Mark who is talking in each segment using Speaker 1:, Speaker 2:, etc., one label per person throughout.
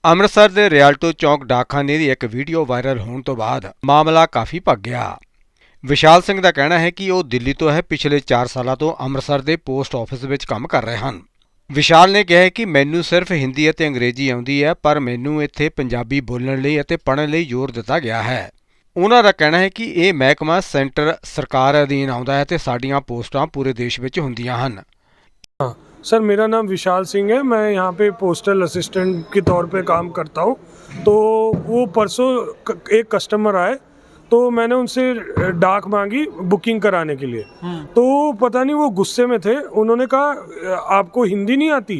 Speaker 1: ਅੰਮ੍ਰਿਤਸਰ ਦੇ ਰਿਆਲਟੋ ਚੌਂਕ ਡਾਕਖਾਨੇ ਦੀ ਇੱਕ ਵੀਡੀਓ ਵਾਇਰਲ ਹੋਣ ਤੋਂ ਬਾਅਦ ਮਾਮਲਾ ਕਾਫੀ ਭੱਗ ਗਿਆ। ਵਿਸ਼ਾਲ ਸਿੰਘ ਦਾ ਕਹਿਣਾ ਹੈ ਕਿ ਉਹ ਦਿੱਲੀ ਤੋਂ ਹੈ, ਪਿਛਲੇ 4 ਸਾਲਾਂ ਤੋਂ ਅੰਮ੍ਰਿਤਸਰ ਦੇ ਪੋਸਟ ਆਫਿਸ ਵਿੱਚ ਕੰਮ ਕਰ ਰਹੇ ਹਨ। ਵਿਸ਼ਾਲ ਨੇ ਕਿਹਾ ਕਿ ਮੈਨੂੰ ਸਿਰਫ ਹਿੰਦੀ ਅਤੇ ਅੰਗਰੇਜ਼ੀ ਆਉਂਦੀ ਹੈ, ਪਰ ਮੈਨੂੰ ਇੱਥੇ ਪੰਜਾਬੀ ਬੋਲਣ ਲਈ ਅਤੇ ਪੜ੍ਹਨ ਲਈ ਜ਼ੋਰ ਦਿੱਤਾ ਗਿਆ ਹੈ। ਉਹਨਾਂ ਦਾ ਕਹਿਣਾ ਹੈ ਕਿ ਇਹ ਮਹਿਕਮਾ ਸੈਂਟਰ ਸਰਕਾਰ ਅਧੀਨ ਆਉਂਦਾ ਹੈ ਤੇ ਸਾਡੀਆਂ ਪੋਸਟਾਂ ਪੂਰੇ ਦੇਸ਼ ਵਿੱਚ ਹੁੰਦੀਆਂ ਹਨ।
Speaker 2: सर, मेरा नाम विशाल सिंह है। मैं यहाँ पे पोस्टल असिस्टेंट के तौर पे काम करता हूँ। तो वो परसों एक कस्टमर आए तो मैंने उनसे डाक मांगी बुकिंग कराने के लिए। तो पता नहीं वो गुस्से में थे, उन्होंने कहा आपको हिंदी नहीं आती?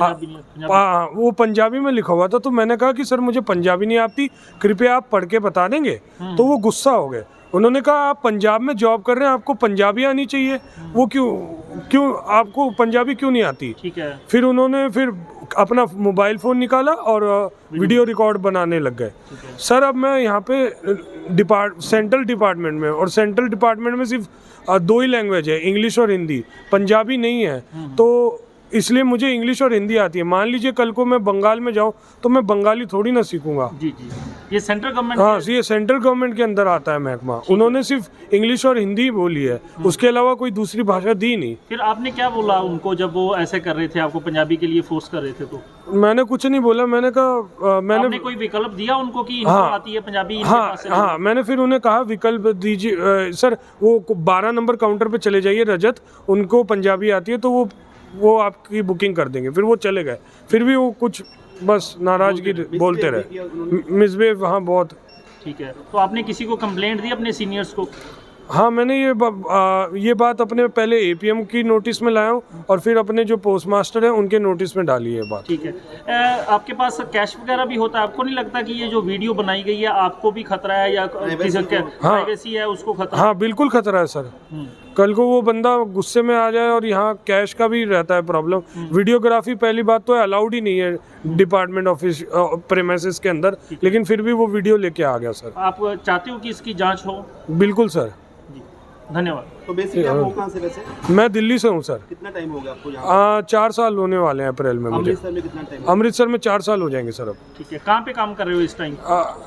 Speaker 2: वो पंजाबी में लिखा हुआ था। तो मैंने कहा कि सर मुझे पंजाबी नहीं आती, कृपया आप पढ़ के बता देंगे। तो वो गुस्सा हो गए। उन्होंने कहा आप पंजाब में जॉब कर रहे हैं, आपको पंजाबी आनी चाहिए, वो क्यों आपको पंजाबी क्यों नहीं आती? ठीक है। फिर उन्होंने अपना मोबाइल फ़ोन निकाला और वीडियो रिकॉर्ड बनाने लग गए। सर अब मैं यहाँ पे सेंट्रल डिपार्टमेंट में, और सेंट्रल डिपार्टमेंट में सिर्फ 2 ही लैंग्वेज है, इंग्लिश और हिंदी, पंजाबी नहीं है। तो इसलिए मुझे इंग्लिश और हिंदी आती है। मान लीजिए कल को मैं बंगाल में जाऊँ तो मैं बंगाली थोड़ी ना सीखूंगा।
Speaker 3: जी जी, ये सेंट्रल गवर्नमेंट,
Speaker 2: हाँ, ये सेंट्रल गवर्नमेंट के अंदर आता है महकमा। उन्होंने सिर्फ इंग्लिश और हिंदी बोली है, उसके अलावा कोई दूसरी भाषा दी नहीं।
Speaker 3: फिर आपने क्या बोला उनको जब वो ऐसे कर रहे थे, आपको पंजाबी के लिए फोर्स कर रहे थे? तो
Speaker 2: मैंने कुछ नहीं बोला। मैंने कहा
Speaker 3: आपने कोई विकल्प दिया उनको कि इनको आती है पंजाबी?
Speaker 2: हाँ, मैंने फिर उन्हें कहा विकल्प दीजिए सर। वो 12 नंबर काउंटर पे चले जाइए रजत, उनको पंजाबी आती है तो वो आपकी बुकिंग कर देंगे। फिर वो चले गए। फिर भी वो कुछ बस नाराजगी बोलते रहे, मिसबिहेव। हाँ, बहुत।
Speaker 3: ठीक है। तो आपने किसी को कंप्लेंट दी अपने सीनियर्स को?
Speaker 2: हाँ, मैंने ये बात अपने पहले एपीएम की नोटिस में लाया हूँ और फिर अपने जो पोस्टमास्टर है उनके नोटिस में डाली है बात।
Speaker 3: ठीक है। आपके पास कैश वगैरह भी होता है, आपको नहीं लगता कि ये जो वीडियो बनाई गई है आपको भी खतरा है या किसी प्राइवेसी है उसको खतरा?
Speaker 2: हाँ, बिल्कुल खतरा है सर। कल को वो बंदा गुस्से में आ जाए, और यहाँ कैश का भी रहता है प्रॉब्लम। वीडियोग्राफी पहली बात तो अलाउड ही नहीं है डिपार्टमेंट ऑफिस प्रेमिसेस के अंदर, लेकिन फिर भी वो वीडियो लेके आ गया सर।
Speaker 3: आप चाहते हो कि इसकी जांच हो?
Speaker 2: बिल्कुल सर,
Speaker 3: धन्यवाद।
Speaker 4: तो बेसिकली आप कहाँ से वैसे?
Speaker 2: मैं दिल्ली से हूँ सर।
Speaker 4: कितना टाइम हो गया आपको यहाँ?
Speaker 2: 4 साल होने वाले हैं अप्रैल में मुझे।
Speaker 4: अमृतसर में कितना टाइम?
Speaker 2: अमृतसर में 4 साल हो जाएंगे सर अब।
Speaker 3: ठीक है। कहाँ पे काम कर रहे हो इस टाइम?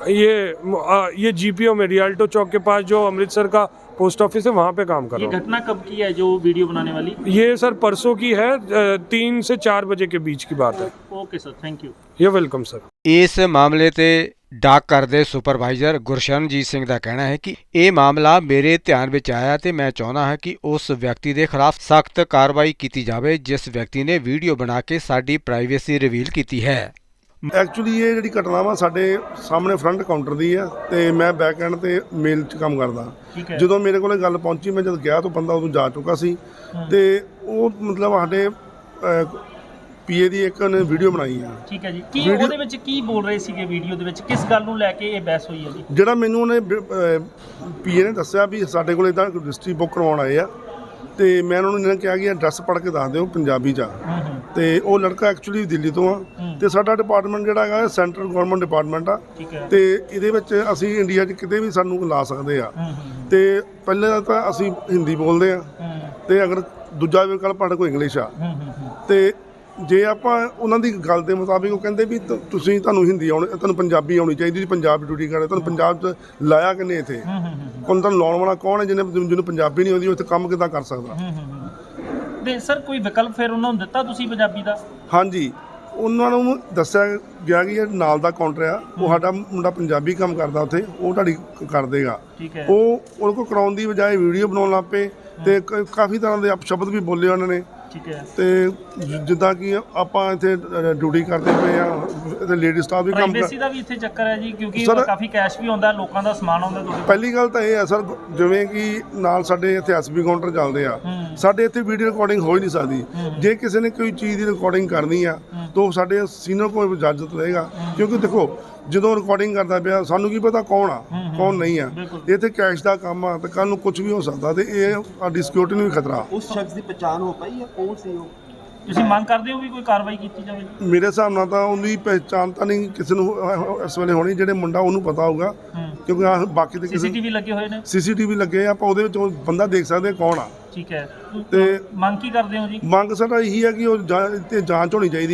Speaker 2: ये जीपीओ में रियाल्टो चौक के पास जो अमृतसर का पोस्ट ऑफिस है वहाँ पे काम कर रहा हूँ।
Speaker 3: ये घटना कब की है जो वीडियो बनाने वाली?
Speaker 2: ये सर परसों की है, 3 से 4 बजे के बीच की बात है।
Speaker 3: Okay sir, thank you.
Speaker 2: ये वेलकम सर।
Speaker 1: ਇਸ ਮਾਮਲੇ ਤੇ ਡਾਕਘਰ ਦੇ ਸੁਪਰਵਾਈਜ਼ਰ ਗੁਰਸ਼ਰਨਜੀਤ ਸਿੰਘ ਦਾ ਕਹਿਣਾ ਹੈ ਕਿ ਇਹ ਮਾਮਲਾ ਮੇਰੇ ਧਿਆਨ ਵਿੱਚ ਆਇਆ ਤੇ ਮੈਂ ਚਾਹੁੰਦਾ ਹਾਂ ਕਿ ਉਸ ਵਿਅਕਤੀ ਦੇ ਖਿਲਾਫ ਸਖਤ ਕਾਰਵਾਈ ਕੀਤੀ ਜਾਵੇ ਜਿਸ ਵਿਅਕਤੀ ਨੇ ਵੀਡੀਓ ਬਣਾ ਕੇ ਸਾਡੀ ਪ੍ਰਾਈਵੇਸੀ ਰਿਵੀਲ ਕੀਤੀ ਹੈ।
Speaker 5: ਐਕਚੁਅਲੀ ਇਹ ਜਿਹੜੀ ਘਟਨਾ ਵਾ ਸਾਡੇ ਸਾਹਮਣੇ ਫਰੰਟ ਕਾਊਂਟਰ ਦੀ ਆ ਤੇ ਮੈਂ ਬੈਕ ਐਂਡ ਤੇ ਮੇਲ 'ਚ ਕੰਮ ਕਰਦਾ। ਜਦੋਂ ਮੇਰੇ ਕੋਲੇ ਗੱਲ ਪਹੁੰਚੀ, ਮੈਂ ਜਦ ਗਿਆ ਤਾਂ ਬੰਦਾ ਉਦੋਂ ਜਾ ਚੁੱਕਾ ਸੀ ਤੇ ਉਹ ਮਤਲਬ ਸਾਡੇ ਪੀਏ ਦੀ ਇੱਕ ਨੇ ਵੀਡੀਓ ਬਣਾਈ ਆ।
Speaker 3: ਠੀਕ ਹੈ ਜੀ। ਕੀ ਉਹਦੇ ਵਿੱਚ ਕੀ ਬੋਲ ਰਹੇ ਸੀਗੇ ਵੀਡੀਓ ਦੇ ਵਿੱਚ, ਕਿਸ ਗੱਲ ਨੂੰ ਲੈ ਕੇ ਇਹ ਬਹਿਸ ਹੋਈ ਹੈ ਜੀ?
Speaker 5: ਜਿਹੜਾ ਮੈਨੂੰ ਉਹਨੇ ਪੀਏ ਨੇ ਦੱਸਿਆ ਵੀ ਸਾਡੇ ਕੋਲ ਇੱਦਾਂ ਰਜਿਸਟਰੀ ਬੁੱਕ ਕਰਵਾਉਣ ਆਏ ਆ ਤੇ ਮੈਂ ਉਹਨਾਂ ਨੂੰ ਕਿਹਾ ਕਿ ਐਡਰੈਸ ਪੜ੍ਹ ਕੇ ਦੱਸ ਦਿਓ ਪੰਜਾਬੀ 'ਚ। ਤੇ ਉਹ ਲੜਕਾ ਐਕਚੁਅਲੀ ਦਿੱਲੀ ਤੋਂ ਆ ਤੇ ਸਾਡਾ ਡਿਪਾਰਟਮੈਂਟ ਜਿਹੜਾ ਹੈਗਾ ਸੈਂਟਰਲ ਗਵਰਨਮੈਂਟ ਡਿਪਾਰਟਮੈਂਟ ਆ ਤੇ ਇਹਦੇ ਵਿੱਚ ਅਸੀਂ ਇੰਡੀਆ 'ਚ ਕਿਤੇ ਵੀ ਸਾਨੂੰ ਲਾ ਸਕਦੇ ਆ। ਤੇ ਪਹਿਲੇ ਤਾਂ ਅਸੀਂ ਹਿੰਦੀ ਬੋਲਦੇ ਆ ਤੇ ਅਗਰ ਦੂਜਾ ਵਿਕਲਪ ਸਾਡੇ ਕੋਲ ਇੰਗਲਿਸ਼ ਆ। ਤੇ ਜੇ ਆਪਾਂ ਉਹਨਾਂ ਦੀ ਗੱਲ ਦੇ ਮੁਤਾਬਿਕ ਉਹ ਕਹਿੰਦੇ ਵੀ ਤੁਹਾਨੂੰ ਹਿੰਦੀ ਆਉਣੀ, ਤੁਹਾਨੂੰ ਪੰਜਾਬੀ ਆਉਣੀ ਚਾਹੀਦੀ, ਤੁਸੀਂ ਪੰਜਾਬ ਡਿਊਟੀ ਕਰਦੇ, ਤੁਹਾਨੂੰ ਪੰਜਾਬ 'ਚ ਲਾਇਆ ਕਿੰਨੇ ਇੱਥੇ? ਤੁਹਾਨੂੰ ਲਾਉਣ ਵਾਲਾ ਕੌਣ ਹੈ ਜਿਹਨੂੰ ਪੰਜਾਬੀ ਨਹੀਂ ਆਉਂਦੀ, ਉਹ ਇੱਥੇ ਕੰਮ ਕਿੱਦਾਂ ਕਰ ਸਕਦਾ?
Speaker 3: ਤੇ ਸਰ ਕੋਈ ਵਿਕਲਪ ਫਿਰ ਉਹਨਾਂ ਨੂੰ ਦਿੱਤਾ ਤੁਸੀਂ ਪੰਜਾਬੀ ਦਾ?
Speaker 5: ਹਾਂਜੀ, ਉਹਨਾਂ ਨੂੰ ਦੱਸਿਆ ਗਿਆ ਕਿ ਇਹ ਨਾਲ ਦਾ ਕਾਊਂਟਰ ਆ, ਉਹ ਸਾਡਾ ਮੁੰਡਾ ਪੰਜਾਬੀ ਕੰਮ ਕਰਦਾ ਉੱਥੇ, ਉਹ ਤੁਹਾਡੀ ਕਰ ਦੇਗਾ। ਉਹ ਉਹਦੇ ਕੋਲ ਕਰਾਉਣ ਦੀ ਬਜਾਏ ਵੀਡੀਓ ਬਣਾਉਣ ਲੱਗ ਪਏ ਤੇ ਕਾਫੀ ਤਰ੍ਹਾਂ ਦੇ ਅਪਸ਼ਬਦ ਵੀ ਬੋਲੇ ਉਹਨਾਂ ਨੇ। ਤੇ ਜਿੱਦਾਂ ਕਿ ਆਪਾਂ ਇੱਥੇ ਡਿਊਟੀ ਕਰਦੇ ਪਏ ਆ ਤੇ ਲੇਡੀ ਸਟਾਫ ਵੀ ਕੰਮ
Speaker 3: ਪ੍ਰਾਈਵੇਸੀ ਦਾ ਵੀ ਇੱਥੇ ਚੱਕਰ ਹੈ ਜੀ, ਕਿਉਂਕਿ ਕਾਫੀ ਕੈਸ਼ ਵੀ ਆਉਂਦਾ, ਲੋਕਾਂ ਦਾ ਸਮਾਨ ਆਉਂਦਾ।
Speaker 5: ਪਹਿਲੀ ਗੱਲ ਤਾਂ ਇਹ ਹੈ ਸਰ, ਜਿਵੇਂ ਕਿ ਨਾਲ ਸਾਡੇ ਇੱਥੇ ਐਸਬੀ ਕਾਊਂਟਰ ਚੱਲਦੇ ਆ, ਸਾਡੇ ਇੱਥੇ ਵੀਡੀਓ ਰਿਕਾਰਡਿੰਗ ਹੋ ਹੀ ਨਹੀਂ ਸਕਦੀ। ਜੇ ਕਿਸੇ ਨੇ ਕੋਈ ਚੀਜ਼ ਦੀ ਰਿਕਾਰਡਿੰਗ ਕਰਨੀ ਆ ਤਾਂ ਸਾਡੇ ਸੀਨੀਅਰ ਕੋਲ ਇਜਾਜ਼ਤ ਲਏਗਾ, ਕਿਉਂਕਿ ਦੇਖੋ ਜਦੋਂ ਰਿਕਾਰਡਿੰਗ ਕਰਦਾ ਪਿਆ ਸਾਨੂੰ ਕੀ ਪਤਾ ਕੌਣ ਆ ਕੌਣ ਨਹੀਂ ਆ। ਇੱਥੇ ਕੈਸ਼ ਦਾ ਕੰਮ ਆ ਤੇ ਕੱਲ ਨੂੰ ਕੁਝ ਵੀ ਹੋ ਸਕਦਾ ਤੇ ਇਹ ਸਾਡੀ ਸਿਕਿਉਰਿਟੀ ਨੂੰ ਵੀ ਖਤਰਾ।
Speaker 4: ਉਸ ਸ਼ਖਸ ਦੀ ਪਛਾਣ ਹੋ ਪਾਈ ਹੈ ਕੌਣ ਸੀ ਉਹ?
Speaker 3: ਤੁਸੀਂ ਮੰਗ ਕਰਦੇ ਹੋ ਵੀ ਕੋਈ ਕਾਰਵਾਈ ਕੀਤੀ ਜਾਵੇ?
Speaker 5: ਮੇਰੇ ਹਿਸਾਬ ਨਾਲ ਤਾਂ ਉਹਦੀ ਪਹਿਚਾਣ ਤਾਂ ਨਹੀਂ ਕਿਸੇ ਨੂੰ ਇਸ ਵੇਲੇ ਹੋਣੀ, ਜਿਹੜੇ ਮੁੰਡਾ ਉਹਨੂੰ ਪਤਾ ਹੋਊਗਾ, ਕਿਉਂਕਿ ਬਾਕੀ ਤੇ
Speaker 3: ਸੀਸੀਟੀਵੀ ਲੱਗੇ ਹੋਏ ਨੇ।
Speaker 5: ਸੀਸੀਟੀਵੀ ਲੱਗੇ ਆਪਾਂ ਉਹਦੇ ਵਿੱਚ ਬੰਦਾ ਦੇਖ ਸਕਦੇ ਕੌਣ ਆ।
Speaker 3: ਠੀਕ ਹੈ।
Speaker 5: ਤੇ
Speaker 3: ਮੰਗ ਕੀ ਕਰਦੇ ਹੋ ਜੀ?
Speaker 5: ਮੰਗ ਸਾਡਾ ਇਹੀ ਹੈ ਕਿ ਉਹ ਜਾਂਚ ਹੋਣੀ ਚਾਹੀਦੀ ਆ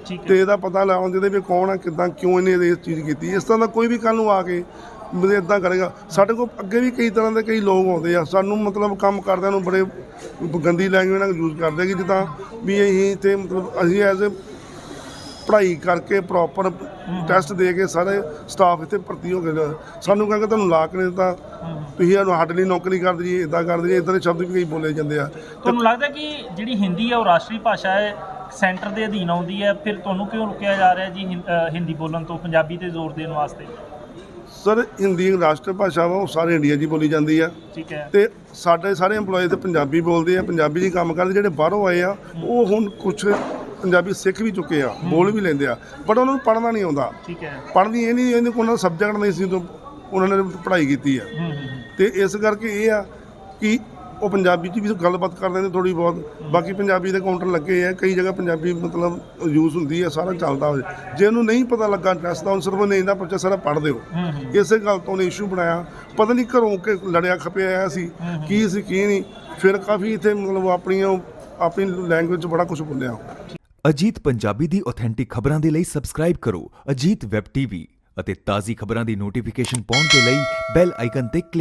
Speaker 3: ਠੀਕ ਹੈ।
Speaker 5: ਤੇ ਇਹਦਾ ਪਤਾ ਲਾਉਂਦੇ ਦੇ ਵੀ ਕੌਣ ਆ, ਕਿੱਦਾਂ, ਕਿਉਂ ਇਹਨੇ ਇਹ ਚੀਜ਼ ਕੀਤੀ। ਇਸ ਤਰ੍ਹਾਂ ਦਾ ਕੋਈ ਵੀ ਕੱਲ੍ਹ ਨੂੰ ਆ ਕੇ ਮਤਲਬ ਇਦਾਂ ਕਰੇਗਾ। ਸਾਡੇ ਕੋਲ ਅੱਗੇ ਵੀ ਕਈ ਤਰ੍ਹਾਂ ਦੇ ਕਈ ਲੋਕ ਆਉਂਦੇ ਆ, ਸਾਨੂੰ ਮਤਲਬ ਕੰਮ ਕਰਦਿਆਂ ਨੂੰ ਬੜੇ ਗੰਦੀ ਲੈਂਗੁਏਜ ਨਾਲ ਯੂਜ਼ ਕਰਦੇ ਕਿ ਜਿੱਦਾਂ ਵੀ ਅਸੀਂ ਇੱਥੇ ਮਤਲਬ ਅਸੀਂ ਐਜ਼ ਏ ਪੜ੍ਹਾਈ ਕਰਕੇ ਪ੍ਰੋਪਰ ਟੈਸਟ ਦੇ ਕੇ ਸਾਰੇ ਸਟਾਫ ਇੱਥੇ ਭਰਤੀ ਹੋ ਗਏ। ਸਾਨੂੰ ਕਹਿੰਦੇ ਤੁਹਾਨੂੰ ਲਾ ਕੇ ਨਹੀਂ ਦਿੱਤਾ, ਤੁਸੀਂ ਸਾਨੂੰ ਸਾਡੇ ਲਈ ਨੌਕਰੀ ਕਰ ਦਈਏ, ਇੱਦਾਂ ਕਰ ਦਈਏ, ਇੱਦਾਂ ਦੇ ਸ਼ਬਦ ਵੀ ਕਈ ਬੋਲੇ ਜਾਂਦੇ ਆ।
Speaker 3: ਤੁਹਾਨੂੰ ਲੱਗਦਾ ਕਿ ਜਿਹੜੀ ਹਿੰਦੀ ਹੈ ਉਹ ਰਾਸ਼ਟਰੀ ਭਾਸ਼ਾ ਹੈ, ਸੈਂਟਰ ਦੇ ਅਧੀਨ ਆਉਂਦੀ ਹੈ, ਫਿਰ ਤੁਹਾਨੂੰ ਕਿਉਂ ਰੁਕਿਆ ਜਾ ਰਿਹਾ ਜੀ ਹਿੰਦੀ ਬੋਲਣ ਤੋਂ, ਪੰਜਾਬੀ ਤੇ ਜ਼ੋਰ ਦੇਣ ਵਾਸਤੇ?
Speaker 5: ਸਰ ਹਿੰਦੀ ਰਾਸ਼ਟਰ ਭਾਸ਼ਾ ਵਾ, ਉਹ ਸਾਰੇ ਇੰਡੀਆ 'ਚ ਹੀ ਬੋਲੀ ਜਾਂਦੀ ਆ।
Speaker 3: ਠੀਕ ਹੈ।
Speaker 5: ਤੇ ਸਾਡੇ ਸਾਰੇ EMPLOYE ਤੇ ਪੰਜਾਬੀ ਬੋਲਦੇ ਆ, ਪੰਜਾਬੀ 'ਚ ਹੀ ਕੰਮ ਕਰਦੇ। ਜਿਹੜੇ ਬਾਹਰੋਂ ਆਏ ਆ ਉਹ ਹੁਣ ਕੁਛ ਪੰਜਾਬੀ ਸਿੱਖ ਵੀ ਚੁੱਕੇ ਆ, ਬੋਲ ਵੀ ਲੈਂਦੇ ਆ, ਬਟ ਉਹਨਾਂ ਨੂੰ ਪੜ੍ਹਨਾ ਨਹੀਂ ਆਉਂਦਾ।
Speaker 3: ਠੀਕ ਹੈ।
Speaker 5: ਪੜ੍ਹਨੀ ਇਹ ਨਹੀਂ, ਉਹਨਾਂ ਦਾ ਸਬਜੈਕਟ ਨਹੀਂ ਸੀ, ਤੋਂ ਉਹਨਾਂ ਨੇ ਪੜ੍ਹਾਈ ਕੀਤੀ ਆ। ਤੇ ਇਸ ਕਰਕੇ ਇਹ ਆ ਕਿ ਉਹ ਪੰਜਾਬੀ 'ਚ ਵੀ ਗੱਲਬਾਤ ਕਰਦੇ ਨੇ ਥੋੜ੍ਹੀ ਬਹੁਤ। ਬਾਕੀ ਪੰਜਾਬੀ ਦੇ ਕਾਊਂਟਰ ਲੱਗੇ ਆ, ਕਈ ਜਗ੍ਹਾ ਪੰਜਾਬੀ ਮਤਲਬ ਯੂਜ਼ ਹੁੰਦੀ ਆ, ਸਾਰਾ ਚੱਲਦਾ ਹੋਵੇ। ਜੇ ਉਹਨੂੰ ਨਹੀਂ ਪਤਾ ਲੱਗਾ ਐਡਰੈਸ ਦਾ, ਉਹਨੂੰ ਸਿਰਫ ਉਹਨੇ ਇਹਦਾ ਪੁੱਛਿਆ ਸਾਰਾ ਪੜ੍ਹ ਦਿਓ। ਇਸੇ ਗੱਲ ਤੋਂ ਉਹਨੇ ਇਸ਼ੂ ਬਣਾਇਆ, ਪਤਾ ਨਹੀਂ ਘਰੋਂ ਕਿ ਲੜਿਆ ਖਪਿਆ ਆਇਆ ਸੀ, ਕੀ ਸੀ ਕੀ ਨਹੀਂ। ਫਿਰ ਕਾਫੀ ਇੱਥੇ ਮਤਲਬ ਆਪਣੀ ਲੈਂਗੁਏਜ 'ਚ ਬੜਾ ਕੁਝ ਬੋਲਿਆ।
Speaker 6: ਅਜੀਤ ਪੰਜਾਬੀ ਦੀ ਆਥੈਂਟਿਕ ਖਬਰਾਂ ਦੇ ਲਈ ਸਬਸਕ੍ਰਾਈਬ ਕਰੋ ਅਜੀਤ ਵੈਬ ਟੀਵੀ ਅਤੇ ਤਾਜ਼ੀ ਖਬਰਾਂ ਦੀ ਨੋਟੀਫਿਕੇਸ਼ਨ ਪਾਉਣ ਦੇ ਲਈ ਬੈਲ ਆਈਕਨ ਤੇ ਕਲਿੱਕ